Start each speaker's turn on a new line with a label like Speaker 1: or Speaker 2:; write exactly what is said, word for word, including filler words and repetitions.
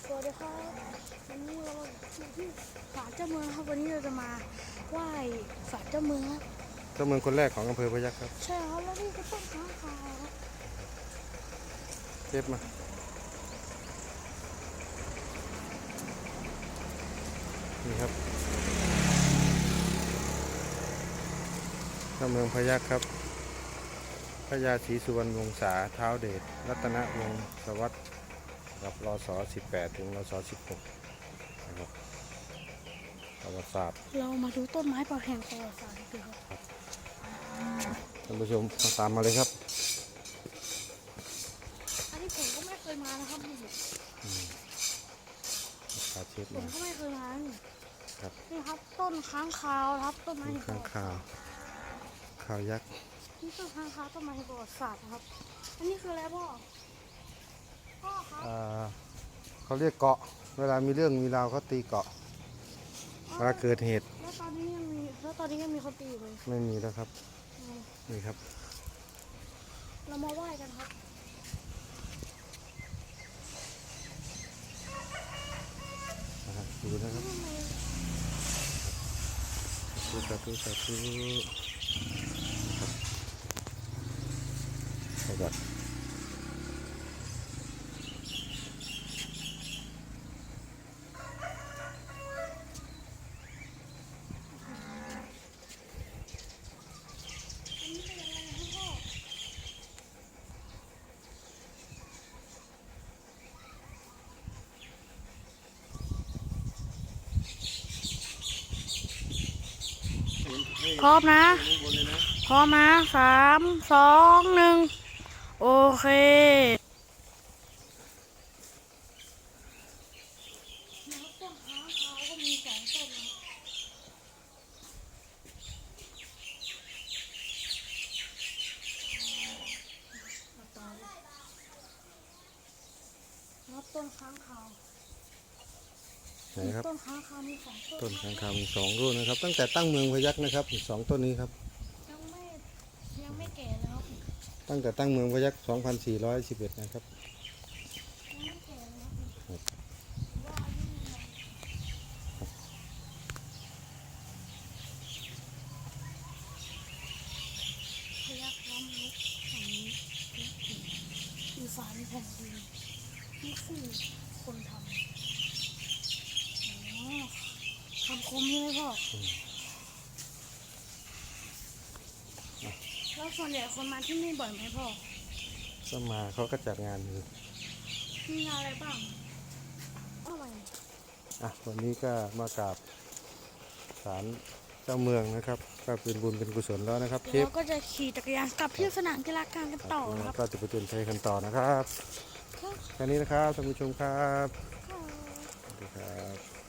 Speaker 1: สวัสดีครับวันนี้เราอยู่ที่ศาลเจ้าเมืองครับวันนี้เราจะมาไหว้ศาลเจ้าเมืองครับ
Speaker 2: เจ้าเมืองคนแรกของอำเภอพยัคฆ์ครับ
Speaker 1: ใช่ครับแล้วนี่ก็ต้นค้างคาวครับ
Speaker 2: เก็บมานี่ครับเจ้าเมืองพยัคฆ์ครับพญาศรีสุวรรณวงศาท้าวเดชรัตนวงศวรรษกับรศสิบแปดถึงรศสิบหกนะครับประวัติศาสตร์
Speaker 1: เรามาดูต้นไม้ประแห่งประวัติศาสตร์กันครับ
Speaker 2: ท่านผู้ชมตามมาเลยครับ
Speaker 1: อันนี้ผมก็ไม่เคยมานะครับนี่
Speaker 2: พาเชฟ
Speaker 1: ผม
Speaker 2: มา
Speaker 1: ก็ไม่เคยมานี่
Speaker 2: ครับ
Speaker 1: นี่ครับต้นค้างคาวครับต้นไม้แห่งป
Speaker 2: ข้า
Speaker 1: ระ
Speaker 2: ง
Speaker 1: วัติ
Speaker 2: ข่า
Speaker 1: ศาว สตร์
Speaker 2: ข่าวยักษ์
Speaker 1: นี่ต้นค้างคาวต้นไม้แห่งประวัติศาสตร์นะครับอันนี้คืออะไรพ่อพ่อครับ
Speaker 2: อ่าเขาเรียกเกาะเวลามีเรื่องมีราวเขาตีเกาะเวลาเกิดเหตุ
Speaker 1: แล้วตอนนี้ยังมีแล้วตอนนี้ยังมีคนตีอยู่เลย
Speaker 2: ไม่มีแล้วครับ
Speaker 1: อืม
Speaker 2: นี่ครับ
Speaker 1: เรามาไหว้กันครับ
Speaker 2: นะครับดูนะครับสาธุสาธุสาธุครับ
Speaker 1: พร้อมนะ พร้อมนะสามสองหนึ่งโอเคต้นค้างคาวก็มีสองต้นนะครับต้นค้างคาว
Speaker 2: ไหนครับ
Speaker 1: ต้นค้างคาวมีสองต้น
Speaker 2: ต้นข้างคาวมีสองรุ่นนะครับ ตั้งแต่ตั้งเมืองพยัคฆ์นะครับสองต้นนี้ครับ
Speaker 1: ยังไม่ยังไม่แก่เลยครับ
Speaker 2: ตั้งแต่ตั้งเมืองพยัคฆ์สองพันสี่ร้อยสิบเอ็ดนะครับ
Speaker 1: ยังไม่แก่เลยครับว่าอายุพยัคฆ์ล้ำลึกฝั่งนี้อีสานแผ่นดินนี่คือคนทำอ๋อคำคมใช่ไหมพ่อแล้วส่วนใหญ่คนมาที่นี่บ่อยไหมพ่อ
Speaker 2: ก็มาเขาก็จัดงานอยู่
Speaker 1: มีงานอะไรบ้างอะไร
Speaker 2: อ่ะวันนี้ก็มากราบศาลเจ้าเมืองนะครับก็เป็นบุญเป็นกุศลแล้วนะครับเช
Speaker 1: เดี๋ยว
Speaker 2: ฟ
Speaker 1: เราก็จะขี่จักรยานกลับที่สนามกีฬากลางกันต่อครับ
Speaker 2: ก็จะไปเตือนภัยกันต่อนะครับแค่นี้นะครับท่านผู้ชมครับสวัสดีครับ